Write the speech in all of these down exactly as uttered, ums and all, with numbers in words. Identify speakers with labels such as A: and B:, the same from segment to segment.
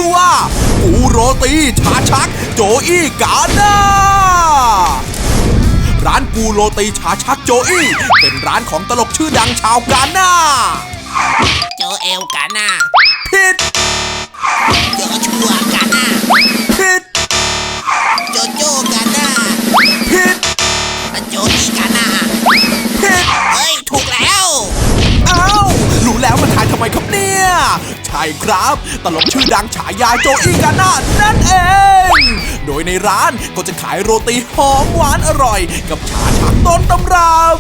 A: อว่ากูโรตีชาชักโจอี้กาน่าร้านกูโรตีชาชักโจอี้เป็นร้านของตลกชื่อดังชาวกาน่า
B: โจเอลกาน่า
A: ผิด
B: โจชัวกาน่า
A: ผิด
B: โจโจกาน่า
A: ผิด
B: โจอี้กาน่า
A: ผิด
B: เฮ้ยถูกแล้ว
A: อ้าวรู้แล้วมาทายทำไมครับเนี่ยใช่ครับตลกชื่อดังฉายาโจอี้กาน่านั่นเองโดยในร้านก็จะขายโรตีหอมหวานอร่อยกับชาชักต้นตำรับ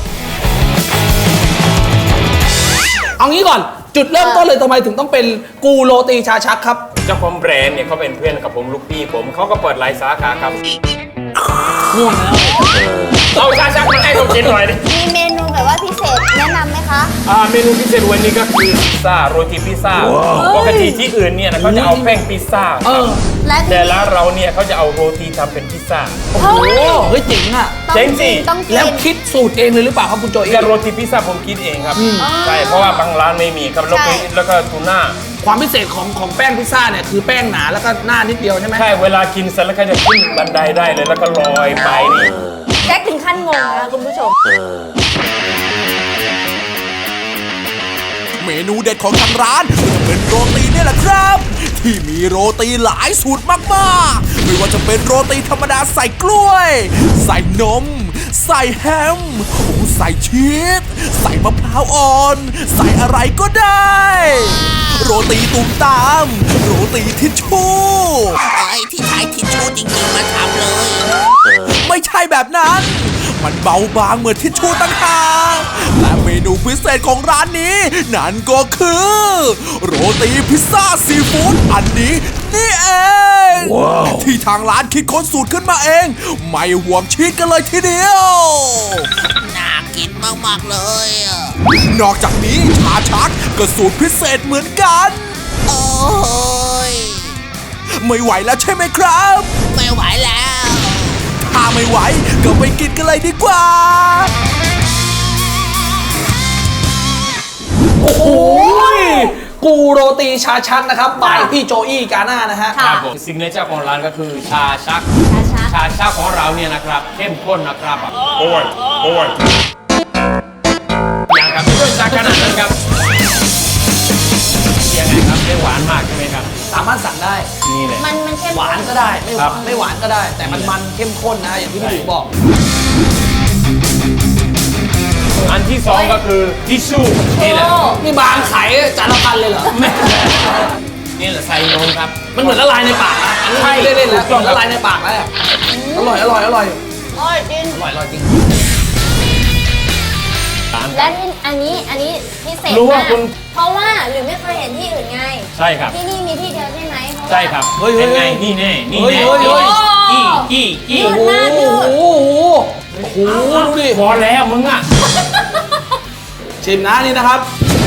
C: เอางี้ก่อนจุดเริ่มต้นเลยทำไมถึงต้องเป็นกูโรตีชาชักครับ
D: เจ้าของแบรนด์เนี่ยเขาเป็นเพื่อนกับผมลูกพี่ผมเขาก็เปิดหลายสาขาครับ
C: ง่วงแล้ว
D: เอาชาชักมาให้ผมกินหน่อยดิ
E: มีเมนูแบบว่าพิเศษแนะนำไหมคะ
D: อ่าเมนูพิเศษวันนี้ก็คือพิซซ่าโรตีพิซซ่าปกติที่อื่นเนี่ยเขาจะเอาแป้งพิซซ่าแต่ละเราเนี่ยเขาจะเอาโรตีทำเป็นพิซซ่า
C: โอ้โหเฮ้ยเจ๋งอ่ะ
D: เจ๋งสิ
C: แล้วคิดสูตรเองเลยหรือเปล่าครับคุณโจอี้
D: กับโรตีพิซซ่าผมคิดเองครับใช่เพราะว่าบางร้านไม่มีครับแล้วก็แล้วก็ทูน่า
C: ความพิเศษของของแป้งพิซซ่าเนี่ยคือแป้งหนาแล้วก็หน้านิดเดียวใช่ไหม
D: ใช่เวลากินเสร็จแล้วก็จะขึ้นบันไดได้เลยแล้วก็ลอยไปนี่
E: แจ็คถึงขั้นงงนะคุณผู้ชม
A: เมนูเด็ดของทางร้านจะเป็นโรตีนี่แหละครับที่มีโรตีหลายสูตรมากๆไม่ว่าจะเป็นโรตีธรรมดาใส่กล้วยใส่นมใส่แฮมใส่ชีสใส่มะพร้าวอ่อนใส่อะไรก็ได้โรตีตุ่มตามโรตีทิชชู่
B: ไอ้ที่ใช้ทิชชู่จริงๆมาทำเลย
A: ไม่ใช่แบบนั้นมันเบาบางเหมือนทิชชู่ต่างหากและเมนูพิเศษของร้านนี้นั่นก็คือโรตีพิซซ่าซีฟู้ดอันนี้นี่เอง wow. ที่ทางร้านคิดค้นสูตรขึ้นมาเองไม่ห่วงชีสกันเลยทีเดียว
B: น่ากินมากๆเลย
A: นอกจากนี้ชาชักก็สูตรพิเศษเหมือนกัน
B: โอ้ย
A: ไม่ไหวแล้วใช่ไหมครับ
B: ไม่ไหวแล้ว
A: ถ้าไม่ไหวก็ไปกินกันเลยดีกว่า
C: โอ้โหกูโรตีชาชักนะครับบายพี่โจอี้กาน่านะฮะ
D: ครับผมสิ่งในเจ้าของร้านก็คือชาชักชาชักของเราเนี่ยนะครับเข้มข้นนะครับโอ้ยโอ้ยอย่างครับไม่ต้องชาขนาดนั้นครับยังไงครับไม่หวานมากใช่ไหมครับ
C: สามารถสั่งได้
D: นี่เลย
E: มันมันเข้ม
C: หวานก็ได้ไม่หวานไม่หวานก็ได้แต่มันมันเข้มข้นนะอย่างที่พี่ดูบอก
D: อันที่สองก็คือทิชชู่นี่แหละ
C: นี่บางไข่จานละพันเลยเหรอ
D: นี่แหละใส่นมครับ
C: มันเหมือนละลายในปากนะอันนี้ไม่เล่นๆแล้วละลายในปากแล้วอร่อยอร่อยอร่อย
E: อร่อยจริง
C: อร่อยอร่อยจริง
E: และอันนี้อันนี้พิเศษมากเพราะว่าหรือไม่เคยเห็นที่อื่นไง
D: ใช่ครับ
E: ที่นี่มีที่เดียวใช่ไหม
D: ใช่ครับ
C: เฮ้ย
D: เป็นไงนี่แน่นี่แน่
E: อี
D: อีอี
E: ยืดมากยืด
C: โอ้โหโอ้โหดูดิ
D: พอแล้วมึงอ่ะ
C: ชิมนะนี่นะครับ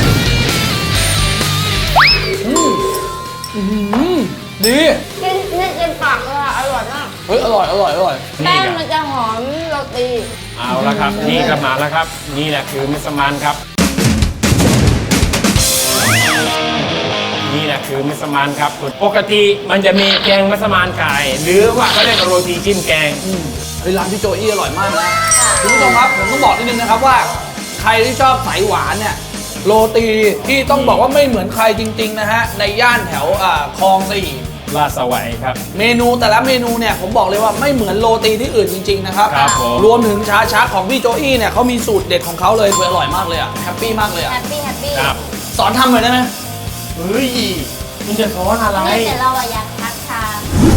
C: ดี
E: กินเนี่ยกินปากเลยอ่ะอร่อยมาก
C: เฮ้ยอร่อยอร่อยอร่อย
E: แป้งมันจะหอมโรตี
D: เอาละครับนี่ก็มาแล้วครับนี่แหละคือมัสมั่นครับนี่แหละคือมัสมั่นครับปกติมันจะมีแกงมัสมั่นไก่หรือว่าเขาเรียกโรตีจิ้มแกง
C: เฮ้ยร้านพี่โจอี้อร่อยมากนะคุณผู้ชมครับผมต้องบอกนิดนึงนะครับว่าใครที่ชอบสายหวานเนี่ยโรตีที่ต้องบอกว่าไม่เหมือนใครจริงๆนะฮะในย่านแถวคลองสี่
D: ลาดสวัยครับ
C: เมนูแต่ละเมนูเนี่ยผมบอกเลยว่าไม่เหมือนโรตีที่อื่นจริงๆนะครับรวมถึงชาชักของพี่โจอี้เนี่ยเขามีสูตรเด็ดของเขาเลยอร่อยมากเลยอ่ะแฮปปี้มากเลยอ่ะ
E: แฮปปี้แฮปปี้
C: สอนทำหน่อยได้ไหม
D: เฮ้ยมึงจะสอนอะไร
E: ไม่แต่เราอยากทักทาย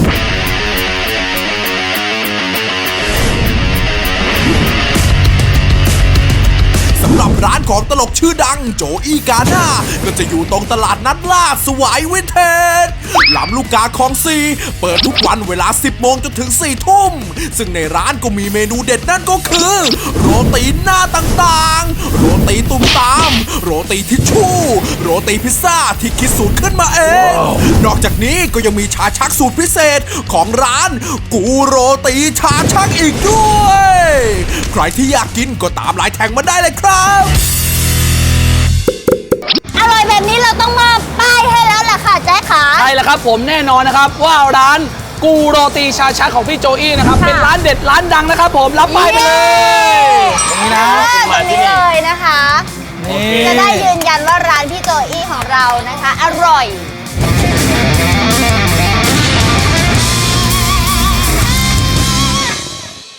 A: สำหรับร้านของตลกชื่อดังโจอี้กาน่าก็จะอยู่ตรงตลาดนัดลาดสวายวินเทจลำลูกกาคลองสี่เปิดทุกวันเวลาสิบโมงจนถึงสี่ทุ่มซึ่งในร้านก็มีเมนูเด็ดนั่นก็คือโรตีหน้าต่างๆโรตีตุ่มตามโรตีทิชชู่โรตีพิซซ่าที่คิดสูตรขึ้นมาเอง wow. นอกจากนี้ก็ยังมีชาชักสูตรพิเศษของร้านกูโรตีชาชักอีกด้วยใครที่อยากกินก็ตามลายแทงมาได้เลยครับ
E: อร่อยแบบนี้เราต้องมาป้ายให้แล้วล่ะค่ะแจ๊คขา
C: ใช่ล่ะครับผมแน่นอนนะครับว่าร้านกูโรตีชาชักของพี่โจอี้นะครับเป็นร้านเด็ดร้านดังนะครับผมรับไปไปเลยตรงนี้นะ
E: ตรงนี้เลยนะคะ
C: นี่
E: จะได้ยืนยันว่าร้านพี่โจอี้ของเรานะคะ อร่อย